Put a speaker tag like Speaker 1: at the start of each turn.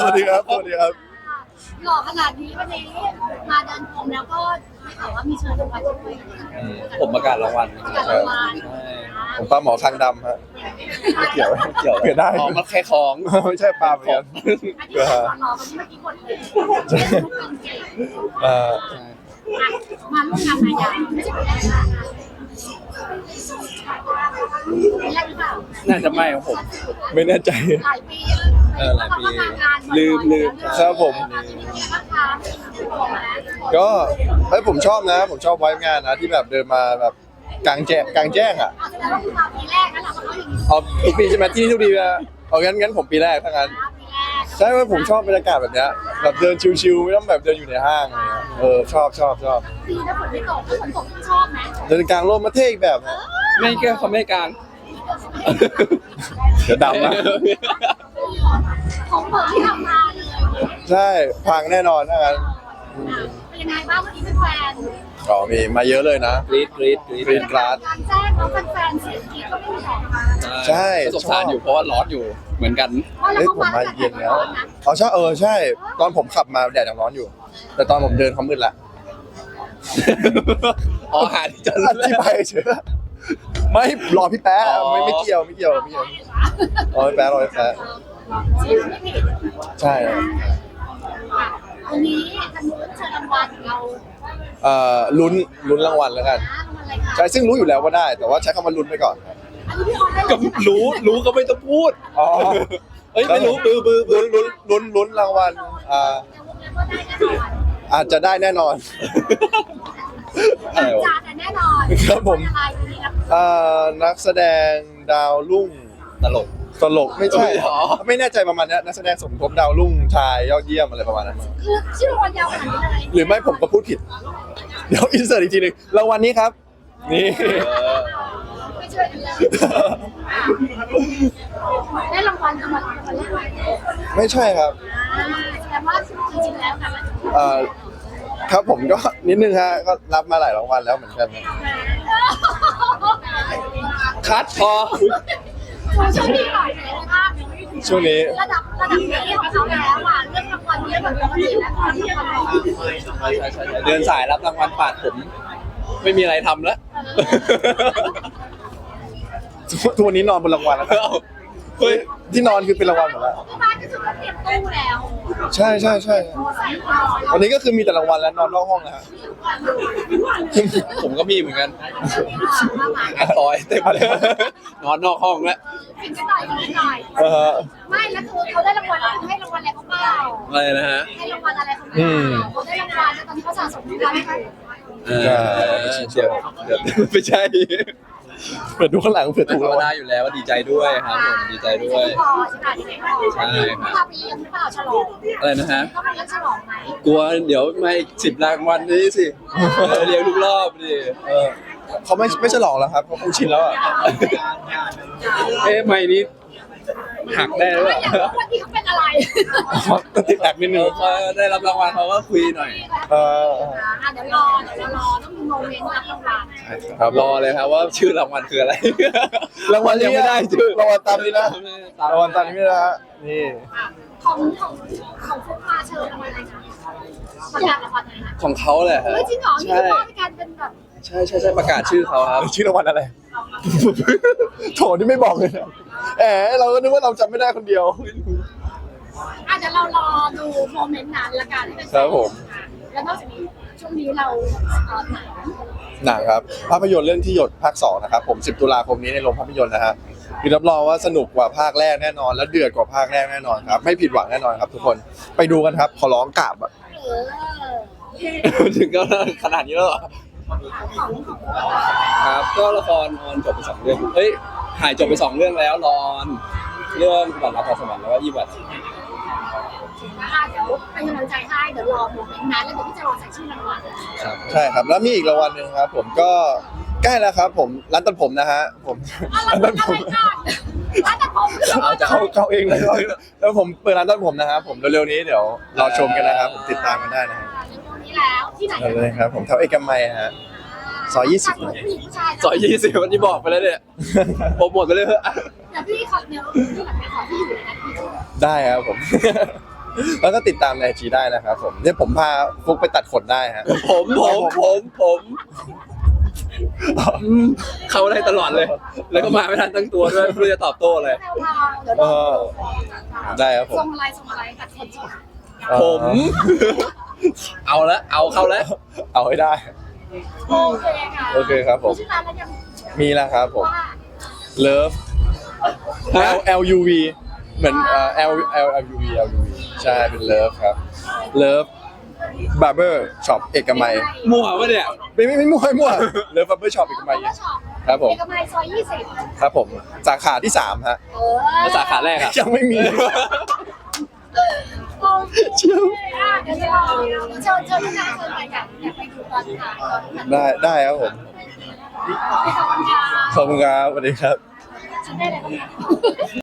Speaker 1: สวัสดีครับสวัสดีครับ
Speaker 2: หล่อขนาดนี้วันนี้มาเดินพรมแล้วก็ได้ข่าวว่ามีเชิญรางวัลด้วย
Speaker 3: ผมประกาศรางวัล
Speaker 2: ประกาศรางวัล
Speaker 3: ใช่
Speaker 1: ผมปลาหมอคางดำฮะไม่เกี่ยว
Speaker 3: เกี่ยว
Speaker 1: เกิดได้
Speaker 3: อ๋อมันแค่ของ
Speaker 1: ไม่ใช่ปลาเหมือนกัน
Speaker 2: อันนี้หล่อวันนี้เมื่อกี้กดเลยเป็นเก่ง
Speaker 1: เอ่อ
Speaker 2: มาร่วมงานมายาไม่ใช่เป็นแรกนะเป็นแรกหรือเปล่า
Speaker 3: น่าจะไม่ของผม
Speaker 1: ไม่แน่ใจ
Speaker 2: หลายปี
Speaker 3: หลายปี
Speaker 2: ลืม
Speaker 1: ครับผม ก็เฮ้ยผมชอบนะ ผมชอบไว้งานนะที่แบบเดินมาแบบกลางแจ้งอ่ะ
Speaker 2: อาจจะได้ว่ามาปีแรกนะเราก็ต้องอย่างนี้
Speaker 1: เอาทุกปีใช่ไหมที่นี่ทุกปีนะเอางั้นผมปีแรกถ้างั้น
Speaker 2: ปีแรก
Speaker 1: ใช่ไหมผมชอบบรรยากาศแบบเนี้ยแบบเดินชิวๆไม่ต้องแบบเดินอยู่ในห้างอะไรเงี้ยชอบ
Speaker 2: ปีถ้าฝนไม่ตกถ้าฝนตกชอบไหม
Speaker 1: เดินกลางร่มมาเท่อีกแบบนะ
Speaker 3: ไม่แก้เขาไม่กลาง
Speaker 1: เดี๋ยวดำนะ
Speaker 2: ของเปิดที่ทำมาเลย
Speaker 1: ใช่พังแน่นอนถ้างั้น
Speaker 2: เป็นยังไงบ้างวันนี้เป็นแฟน
Speaker 1: ก็มีมาเยอะเลยนะ
Speaker 3: กรี๊ด
Speaker 1: กรี๊ด กราด
Speaker 2: การแจ้งแล้วแฟนเสียงกรี๊ดก็ไม่มีออกมา
Speaker 1: ใช่
Speaker 3: ก็สงสารอยู่เพราะว่าร้อนอยู่เหมือนกัน
Speaker 2: ว่าเรา
Speaker 1: เอ้ย
Speaker 2: เข้า
Speaker 1: ผม
Speaker 2: มา
Speaker 1: มาเย็นแล้วเอาใช่ ตอนผมขับมาแดดยังร้อนอยู่ แต่ตอนผมเดินเขามืดละ
Speaker 3: อ๋อหาที่จอดร
Speaker 1: อ
Speaker 3: ถ
Speaker 1: ธิบายเฉยไม่รอพี่แป๊ะ
Speaker 3: อ๋อ
Speaker 1: ไม่เกี่ยวรอพี่แป๊ะ
Speaker 2: เสียงไม่ผิด
Speaker 1: ใช่
Speaker 2: วันนี้ทางนู้นเชิญรางวัลเรา
Speaker 1: ลุ้นรางวัลแล้วกัน
Speaker 2: นะรางวัลอะไรคะ
Speaker 1: ใช่ซึ่งรู้อยู่แล้วว่าได้ แต่ว่าใช้คำว่าลุ้นไปก่อน
Speaker 2: อันนี้พี่ออนได้
Speaker 3: ก็รู้ก็ไม่ต้องพูด
Speaker 1: อ๋อ
Speaker 3: เอ้ยไม่รู้บือ
Speaker 1: ลุ้นรางวัลอาจจะได้แน่นอน
Speaker 3: อะไรวะ
Speaker 2: จานแน่นอน
Speaker 1: ครับผม
Speaker 2: อะไรวันนี้นะ
Speaker 1: นักแสดงดาวรุ่ง
Speaker 3: ตลก
Speaker 1: ตลกไม่ใช่
Speaker 3: เอ้ยเหรอ
Speaker 1: ไม่แน่ใจประมาณนี้นักแสดงสมทบดาวรุ่งชายยอดเยี่ยมอะไรประมาณนั้น
Speaker 2: คือชื่อรางวัลยาวขนาดนี้เลย
Speaker 1: หรือไม่ผมก็พูดผิด เดี๋ยวอินเสิร์ตอีกทีหนึงรางวัลนี้ครับ นี่
Speaker 2: ไม่ช่วยกันเลยได้รางวัลรางวัลแรกไหม
Speaker 1: ไม่ใช่ครับ
Speaker 2: แสดงว่าจริงๆแล้วค่ะมัน
Speaker 1: ครับผมก็นิดนึงฮะก็รับมาหลายรางวัลแล้วเหมือนกันนะ
Speaker 3: คัดพอ
Speaker 2: ช่วงนี้หน่อยไหนภาพ
Speaker 1: ช่วงนี้
Speaker 2: ระดับนี้ของเขาแล้วอ่ะเรื่องรางวัลเยอะแบบปกติแล้วตอนที่เราบอก
Speaker 3: ใช่เดินสายรับรางวัลปาดผม ไม่มีอะไรทำแล้ว
Speaker 1: ทุกวันนี้นอนบนรางวัลแล้วนะ
Speaker 3: เฮ้ย
Speaker 1: ที่นอนคือเป็นรางวัลหมดแล้ว
Speaker 2: ที่บ้านก็คือเตรียมตู้แล้ว
Speaker 1: ใช่
Speaker 2: ใส่ก่อน
Speaker 1: วันนี้ก็คือมีแต่รางวัลแล้วนอนนอกห้องแล้วฮะ
Speaker 3: ผมก็มีเหมือนกันอ่ะซอยเต็มเลยนอนนอกห้องแล้ว
Speaker 2: กินกันหน่อยกินกันหน่อย ไม่แล้วคือเขาได้รางวัลให้รางวัลอะไรเขาเปล่า
Speaker 3: อะไรนะฮะ
Speaker 2: ให้รางวัลอะไรเขาเปล่าเขาได้รางวัลแล้วตอนนี้เขาสะสมรางวัลให้เขา
Speaker 3: เดี๋ยวไม่ใช่
Speaker 1: เปิดดูข้างหลังเผื่อ
Speaker 3: ไม่
Speaker 1: ถูก
Speaker 3: ธร
Speaker 1: ราร ง
Speaker 3: ม
Speaker 1: วั
Speaker 3: ดา
Speaker 1: ล
Speaker 3: อยู่แล้วว่าดีใจด้วยครับผมดีใจด้วย
Speaker 2: พอใช่ไหมที่ไม่พอ
Speaker 3: ใช่ครับ
Speaker 2: พาไปเลี้ยงหรือเปล่าฉลอง
Speaker 3: อะไรนะฮะ
Speaker 2: ก็ไปเลี้ยงฉลองไหม
Speaker 3: กลัวเดี๋ยวไม่10 รางวัลนี้สิเรียงทุกรอบดิ
Speaker 1: เขาไม่ฉลองแล้วครับเขาคงชินแล้วอ่ะ
Speaker 3: ไม่นี้หักได้หรือเป
Speaker 2: ไม่
Speaker 3: ล่า
Speaker 2: อยากรู้ว่าที่เขาเป็นอะไร
Speaker 1: ต้องติดแอกนิดนึง
Speaker 3: เขาได้รับรางวัลเขาก็คุยหน่อย
Speaker 2: เดี๋ยวรอต้องมีโมเมนต์รับรางวัล
Speaker 1: ครับ
Speaker 3: รอเลยครับว่าชื่อรางวัลคืออะไร
Speaker 1: รางวัล
Speaker 3: ยังไม่ได้ชื่อ
Speaker 1: รางวัลตามนี้นะรางวัลตามนี้นะฮะนี่
Speaker 2: ของฟุกมาเชิญรางวัลอะไรคะประกาศรางวัลอะไรนะ
Speaker 3: ของเขาแหละฮะ
Speaker 2: เฮ้ยจริงเหรอนี่
Speaker 3: ใช่
Speaker 2: คือว่าในการเป็นแบบ
Speaker 3: ใช่ประกาศชื่อเขาครับ
Speaker 1: ชื่อรางวัลอะไร โถนี่ไม่บอกเลยนะเราก็นึกว่าเราจำไม่ได้คนเดียว
Speaker 2: เดี๋ยวเรารอดูโมเมนต์นั้นละกันให้เป็น
Speaker 1: ครับผม
Speaker 2: แล้วนอกจากนี้ช่วงนี้เราหนัง
Speaker 1: หนังครับภาพยนตร์เรื่องที่หยดภาค 2นะครับผม10 ตุลาคมนี้ในโรงภาพยนตร์นะฮะคือรับรองว่าสนุกกว่าภาคแรกแน่นอน และเดือดกว่าภาคแรกแน่นอนครับไม่ผิดหวังแน่นอนครับทุกคนไปดูกันครับขอร้องกราบอะ
Speaker 3: ถึงก็ขนาดนี้แล้วเหรอ
Speaker 2: ของ
Speaker 3: ครับก็ละครออนจบไป2 เรื่องเฮ้ยถ่ายจบไป2 เรื่องแล้วรออนเรื่องบัตรรับพรสวรรค์แล้วก็ยี่บัตร
Speaker 2: เดี๋ยวเป็นกำลังใจให้เดี๋ยวรอโมเมนต์นั้นแล้วเดี๋ยวพี่จะรอใส่ชื่อรางวัล
Speaker 3: ครับ
Speaker 1: ใช่ครับแล้วมีอีกรางวัลหนึ่งครับผมก็ใกล้แล้วครับผมร้านตัดผมนะฮะผม
Speaker 2: อะไรกันร้านตัดผมคือรางวัล
Speaker 1: เขาเองเลยแล้วผมเปิดร้านตัดผมนะครับผมเร็วๆนี้เดี๋ยวรอชมกันนะครับผมติดตามกันได้นะฮะ
Speaker 2: นี้แล้วที่ไหน
Speaker 1: เลยครับผมแถวเอกมัยฮะซอย20
Speaker 2: ผู้หญิงผู้ชาย
Speaker 3: ซอย20วันนี้บอกไปแล้วเนี่ยโปรโมทไปเลยเถอะ
Speaker 2: เดี๋ยวพี่ขอพี่แบบไปขอที่อยู่เลยนะ
Speaker 1: ได้ครับผมแล้วก็ติดตามในไอจีได้นะครับผมเนี่ยผมพาฟุกไปตัดขนได้ฮะ
Speaker 3: ผมเขาได้ตลอดเลย แล้วก็มาไม่ทันตั้งตัวด้วยไม่รู้จะตอบโต้อะไร
Speaker 2: แพรวๆเดี๋ยว
Speaker 1: เอ
Speaker 2: รอ
Speaker 1: อได้ครับผม
Speaker 2: ส่งอะไรตัดคนส่ง
Speaker 3: ผม เอาละเอาเข้าแล้ว
Speaker 1: เอาให้ได้
Speaker 2: โอเคค่ะ
Speaker 1: โอเคครับผม
Speaker 2: ชื่อร้านแล้วยัง
Speaker 1: มีแล้วครับผม
Speaker 2: ว่า
Speaker 1: Love
Speaker 3: ฮะ
Speaker 1: L U V เหมือนL U V ใช่เป็น Love ครับ Love Barber Shop เอกมัย
Speaker 3: มั่วปะเนี่ย
Speaker 1: ไม่มั่วLove Barber Shop เอกมัย
Speaker 2: ก็ชอบ
Speaker 1: ครับผม
Speaker 2: เอกมัยซอย20
Speaker 1: ครับผมสาขาที่3ฮะ
Speaker 3: แล้วสาขาแรกอะ
Speaker 1: ยังไม่มี
Speaker 2: โอเคเดี๋ยวเชิญทุกท่านเชิญไปกันอยากไปดูตอนถ่ายตอน
Speaker 1: ได้ครับผม
Speaker 2: ขอบคุณค่ะ
Speaker 1: ขอบคุณครับสวัสดีครับ
Speaker 2: ฉันได้อะไรบ้าง